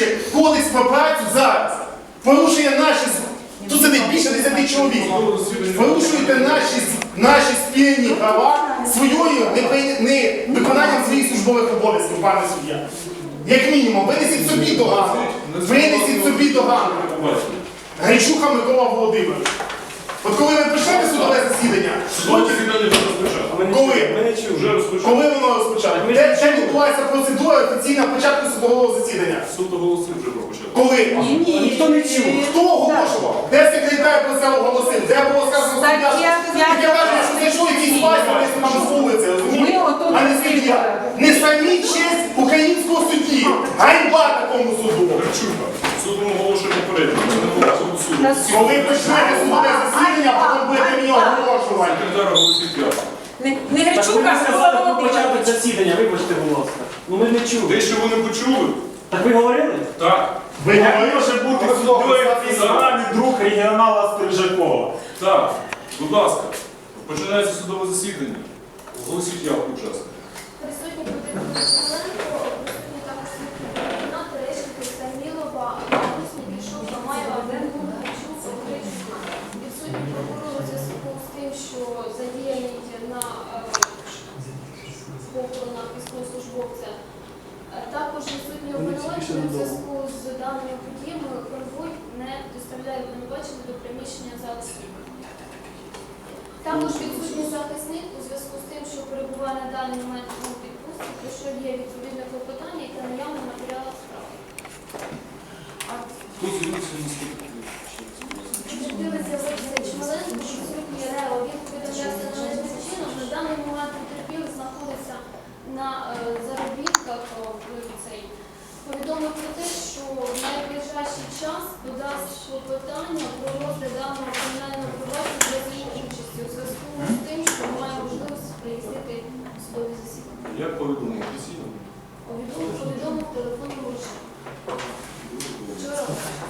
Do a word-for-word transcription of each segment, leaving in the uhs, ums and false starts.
порушує кодекс про працю зараз, порушує наші, тут сидить більше десяти чоловік, порушуєте наші, наші спільні права своєю невиконанням своїх службових обов'язків, пане суддя. Як мінімум, винесіть собі догану. Винесіть собі догану. Гречуха Микола Володимирович. От коли ви почнете судове засідання, коли? Коли воно розпочало? Де відбулася процедура офіційна початку судового засідання? Суд оголосив вже про початку. Коли? Ні, ні, ніхто не чув. Хто оголошував? Де секретар про це оголосив? Де було сказано суддя? Таке враження, що зайшов якийсь пастор, десь там з вулиці, розумієте? А не суддя. Не самі честь українського судді. Ганьба такому суду. Гречуха. Суд оголошує попередньо. Це не було цього суду. Коли почнете судове засідання, потім будете мені оголошувати. Секретар оголосив п'ятку. Не, не Так ви Гречука, не а сказали Микола про початок Володимирович. засідання, вибачте, будь ласка. Ну ми не чули. Те, що ви не почули? Так ви говорили? Так. Ви Як говорили, може бути судовий офіційний друг регіонала Стрижакова? Так. Будь ласка. Починається судове засідання. Оголосіть явку учасника. Присутні Володимир Кириленко, присутні також Світлана, Терещенко, Самілова, Гусник, Ішова, Маєва, Бенгун, Гречук, Гречук. Відсутні прокурор у зв'язку з тим, що задіяний на похоронах військовослужбовця. Також відсутні обвинувачення у зв'язку з даними подіями конвой не доставляє обвинувачення до приміщення залу суду. Також відсутній захисник у зв'язку з тим, що перебуває на даний момент у відпустці, про що є відповідне клопотання та наявне матеріали справи. Хто з'явився на скільки? Дивиться Олексій Чмеленко, відсутній РЕО, він повідомлявся належним чином. На даний момент потерпілий знаходиться на е, заробітках в цей. Повідомив про те, що в найближчий час додасть клопотання про розгляд даного кримінального провадження без її участі у зв'язку з тим, що має можливість приїздити в судові засідання. Як повідомив офіційно? Повідомив, повідомив телефонному режимі. Вчора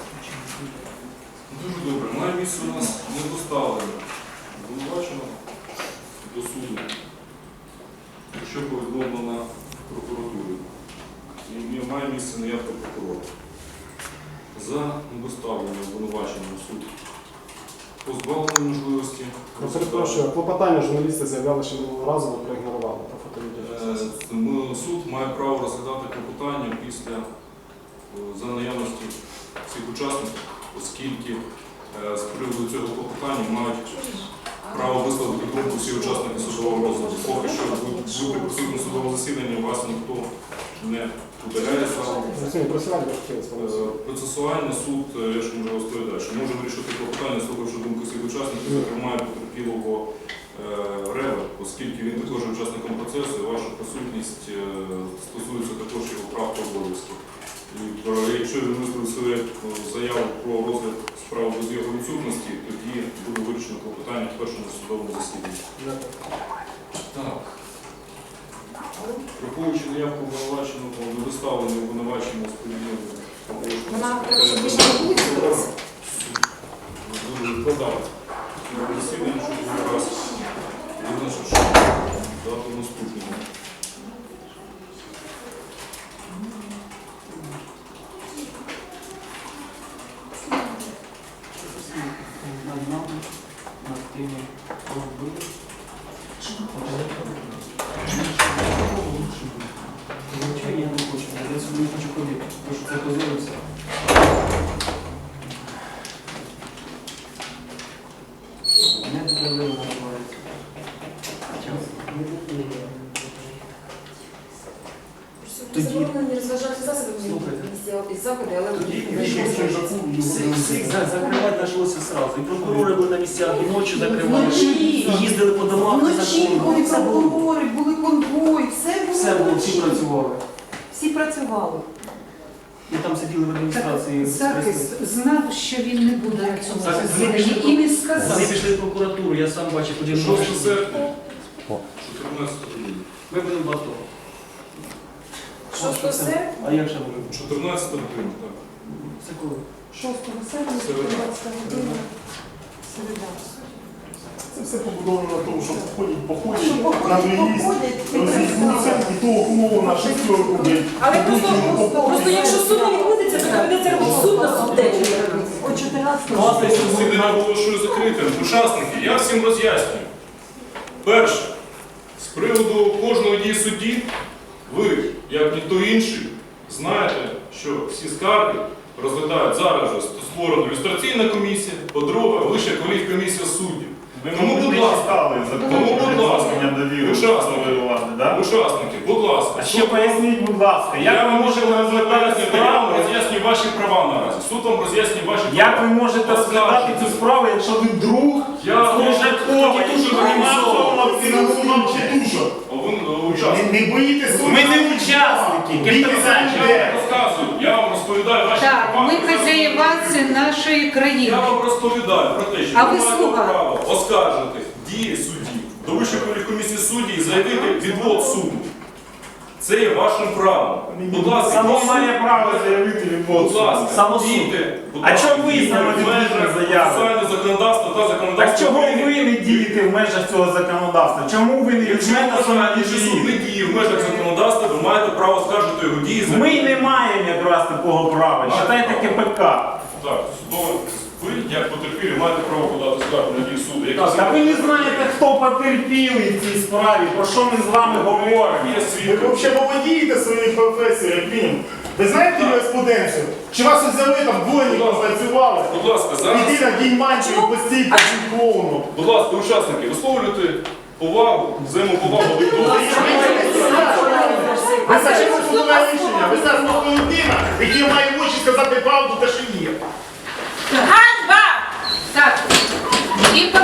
Дуже добре. Має місце у нас не доставлено. Обвинувачено до суду, що повідомлено прокуратурі. І має місце наявка прокурора. За недоставлення обвинувачення в суд позбавлено можливості. Ну, перепрошую, клопотання журналісти заявляли, що минулого разу ви проігнорували про фотовідео. Е, Суд має право розглядати клопотання після е, за наявності всіх учасників, оскільки е, з приводу цього клопотання мають право висловити думку всі учасники судового розгляду. Поки що бути присутнім в судовому засіданні вас ніхто не удаляє залу. Процесуально суд, я ж можу розповідати, що може вирішити клопотання, слухавши думку всіх учасників, зокрема і потерпілого Рева, оскільки він також є учасником процесу, і ваша присутність стосується також його прав та обов'язків. І якщо він висловив свою заяву про розгляд справи без його відсутності, тоді буде вирішено клопотання в першому судовому засіданні. Так. Враховуючи наявку обвинуваченого, недоставлення обвинувачення з подіями Вона треба, щоб більше не буде. дуже відкладати. Засідання, щоб якраз визначив, що дату наступного. Над нами, над тими, хто вбив. Звичайно, я не хочу. Я сюди не хочу ходити, тому що це позорився. Не дозволили називається. Тоді- Заборонені розважати засоби Слухайте. місця заходи, але Тоді вийшов. всіх всіх за- закривати почалося сразу. І прокурори були на місцях, і ночі закривали, Вночі. і їздили по домах. Вночі були Все було. прокурори, були конвої, все було. Все було, всі вночі. працювали. Всі працювали. І там сиділи в адміністрації. Захист знав, що він не буде на цьому Захист засіданні і не Вони сказав. пішли в прокуратуру, я сам бачив один шостого серпня, чотирнадцятого грудня. Ми були в АТО. шостого серпня? А як же ми? чотирнадцятого грудня, так. Це коли? шостого серпня, Середа. двадцята година, середа. Це все побудовано на тому, що ходять, походять, Що походять, на виїзд, походять, розійдуться і того умову на шестерку, блядь. Але просто, просто якщо сума відбудеться, то законодавство. Класний Засідання оголошую закритим. Учасники, я всім роз'яснюю. Перше, з приводу кожної дії судді, ви, як ніхто інший, знаєте, що всі скарги розглядають зараз же створена люстраційна комісія, по-друге, Вища кваліфкомісія суддів. Тому, будь ласка, тому, будь ласка, учасники, учасники, будь ласка, А ще поясніть, будь ласка, як я ви вам можете можу розглядати розглядати справу? справу, роз'яснюю ваші права наразі. Суд вам роз'яснює ваші права. Як ви можете розглядати цю справу, якщо ви друг Я Служакова, дуже який організовано. організовано А ви е, учасник. Не, не боїтесь суду. Ми не учасники, Бійтеся Кирпичанчик. людей. Я вам розказую, я вам розповідаю ваші Так, права. ми хазяїваці нашої країни. Я вам розповідаю про те, що А ви ви маєте слуга. право оскаржити дії судді до Вищої кваліфкомісії судді і заявити відвод суду. Це є вашим правом. Будь ласка, Само дійте- має право заявити відвод. Будь ласка, Само суд. дійте, будь А ласка, чому ви дійте саме в не межах дійте заяви? процесуального законодавства та Так законодавства чого України? ви не дієте в межах цього законодавства? Чому ви не Якщо візьмете ви саме вважаєте, що суд не дії? діє в межах законодавства, ви маєте право скаржити його дії. за- Ми не маємо якраз такого права. Читайте КПК. Так, судове. Ви, як потерпілі, маєте право подати скаргу на дії суду. Як Та ви не знаєте, хто потерпілий в цій справі, про що ми з вами говоримо. Є Ви свідки. взагалі володієте своєю професією, як мінімум. Ви знаєте юриспруденцію? Чи вас взяли там двойником працювали? Будь ласка, зараз, Іди на день мантію, постій по клоуну. будь ласка, учасники, висловлюйте повагу, взаємоповагу один до одного. Ви зачем судове рішення? Ви зараз просто людина, який має в очі сказати правду, те, що є. Ганьба! Так, і